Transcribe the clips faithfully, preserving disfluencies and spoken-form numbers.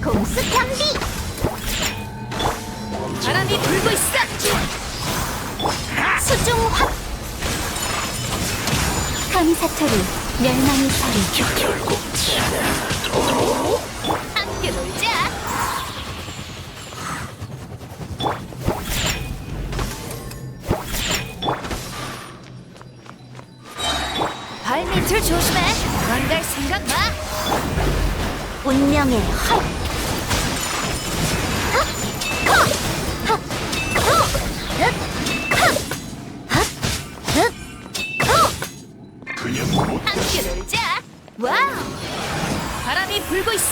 공수 편비. 바람이 불고 있어. 수중 확. 감사토루 멸망의 소리. 결국 함께 놀자. 발밑을 조심해. 도망갈 생각 마. 운명의 헐. 헉! 헉! 헉! 헉! 헉! 헉! 헉! 헉! 그냥 못 함께 놀자. 와우. 바람이 불고 있어.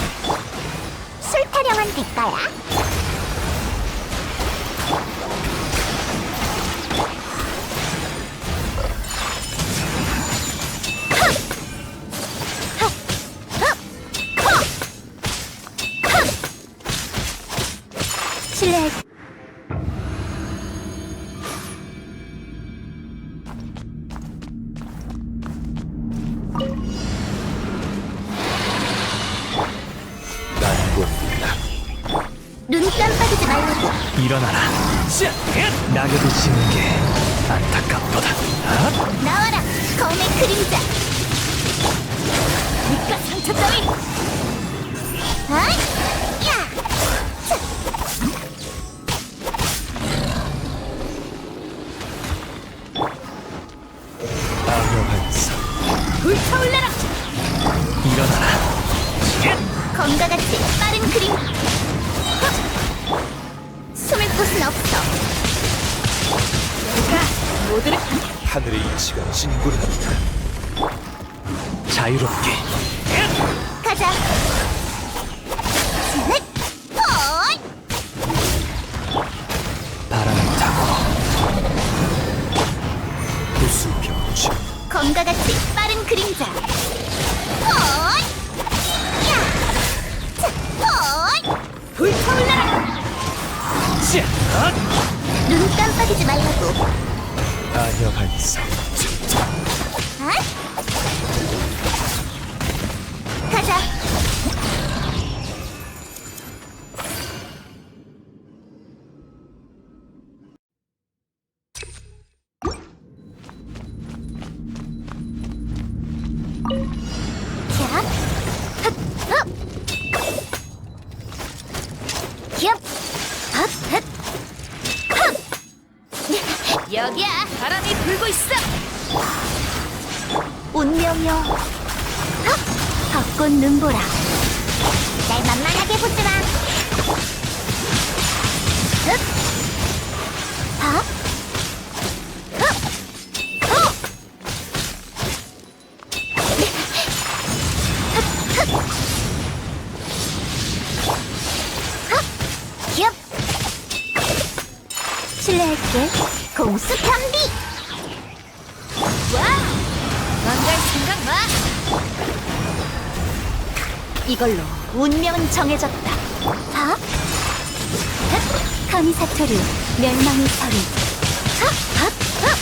술 타령한 대가야. 실례. 난곤다. 눈 깜빡이지 말라고. 일어나라. 낙엽이 지는 게 안타깝도다. 아? 나와라, 검의 그림자. 니가 상처 따위. 어이! 야! 악녀 반사. 불타올라라. 일어나라. 검과 같이 빠른 그림. 헉! 숨을 곳은 없어. 내가 모두를 하늘의 이치가 진군한다. 자유롭게. 가자. 셋! 어이! 바람을 타고 구수병치. 검과 같이 빠른 그림자. 어이! 야! 자, 어이! 불타올라라. 자! 눈 깜빡이지 말라고. 악녀 반사. 어? 가자. 자, 흡, 흡. 힙, 흡, 흡, 흡. 여기야. 바람이 불고 있어. 운명이여. 헉! 벚꽃 눈보라. 날 만만하게 보지 마. 흡! 헉! 흡! 호! 흡! 흡! 흡! 힙! 실례할게. 공수 편비. 와우. 도망갈 생각 마. 이걸로 운명은 정해졌다. 하? 흑! 카미사토류 멸망의 소리. 하! 하! 하!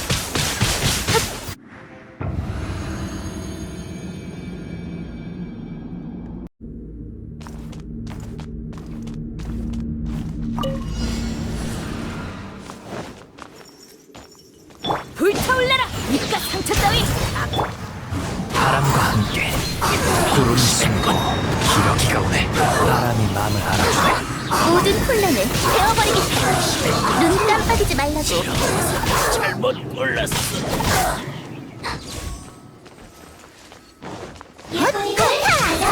불타올라라. 니가 상처 따위. 바람과 함께 구름이 숨고 기러기가 오네. 바람이 마음을 알아주네. 모든 혼란을 베어버리겠다. 눈 깜빡이지 말라고. 잘못 몰랐어. 헛헛하!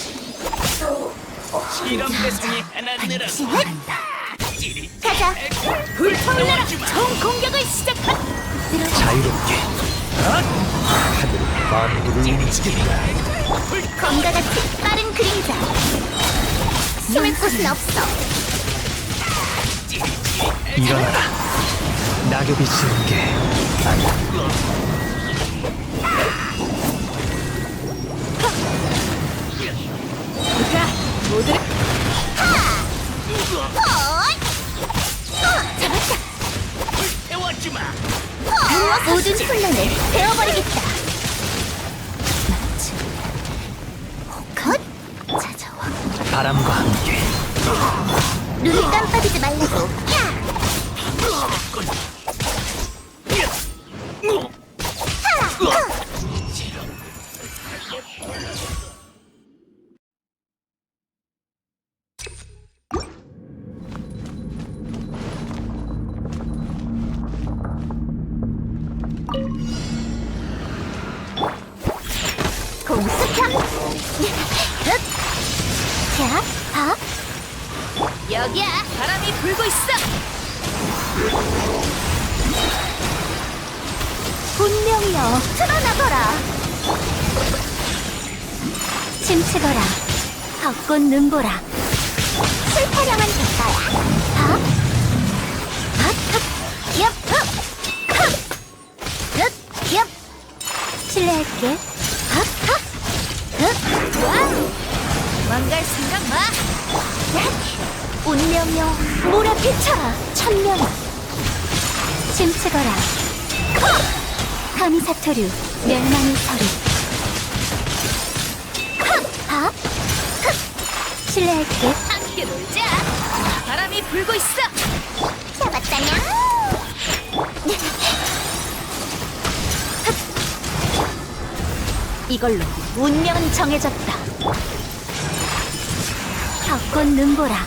이런 배송이 하나 신을 가자. 불타올라라. 총 공격을 시작한. 자유롭게. 하늘은 만물을 움직인다. 검과 같이 빠른 그림자. 숨을 곳은 없어. 일어나라. 낙엽이 지는 게 안타깝도다. 자, 모두를 어이! 어, 잡았다. 태워주마. 어, 모든 혼란을 베어버리겠다. 마치 컷 찾아와. 바람과 함께 눈을 깜빡이지 말라고. 야! 공수평! 자, 봐. 여기야. 바람이 불고 있어. 분명히요. 드러나거라. 침치거라. 벚꽃 눈보라. 술타령한 대가야. 하? 하? 하? 엽! 흡! 흡! 흡! 엽! 실례할게. 하? 하? 흡! 와우! 망갈 생각 마. 운명여 몰아비쳐라. 천명아. 침치거라. 감히 사토류 멸망의 서리. 하! 흡! 실례할게. 함께 놀자. 바람이 불고 있어. 잡았다냐? 이걸로 운명은 정해졌다. 벚꽃 눈보라.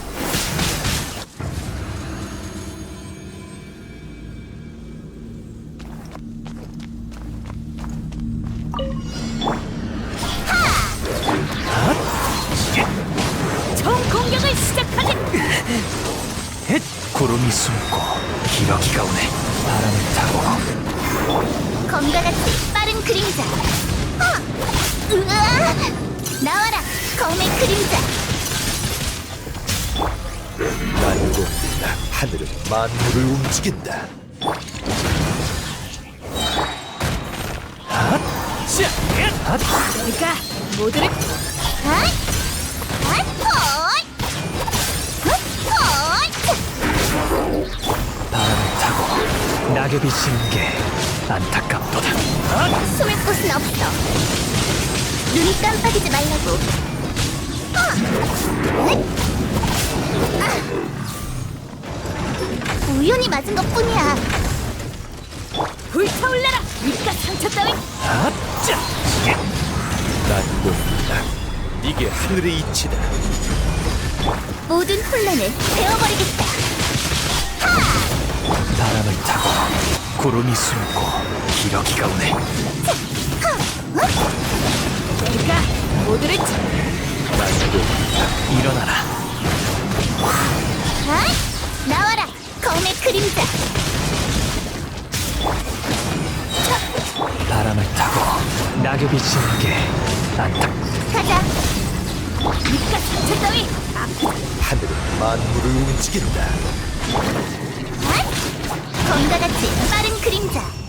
총 공격을 시작하지. 헷! 구름이 숨고 기러기가 오네. 바람을 타고 검과 같이 빠른 그림자. 하! 으아! 나와라, 검의 그림자. 날고 하늘은 만물을 움직인다. 핫! 샤! 핫! 내가 모두를 핫! 핫! 헛! 헛! 바람을 타고 낙엽이 지는 게 안타깝도다. 핫! 숨을 곳은 없어. 눈 깜빡이지 말라고. 어! 으잇! 아! 우연히 맞은 것뿐이야. 불타올라라. 입가 상처 따위. 핫! 짜! 날고 이게 하늘의 이치다. 모든 혼란을 베어버리겠다. 바람을 타고 구름이 숨고 기러기가 오네. 내가 모두를 날고 일어나라. 아! 나와라, 검의 그림자. 바람을 타고 낙엽이 지는 게 안타. 가자. 입가 상처 따위. 하늘은 만물을 움직인다. 아! 검과 같이 빠른 그림자.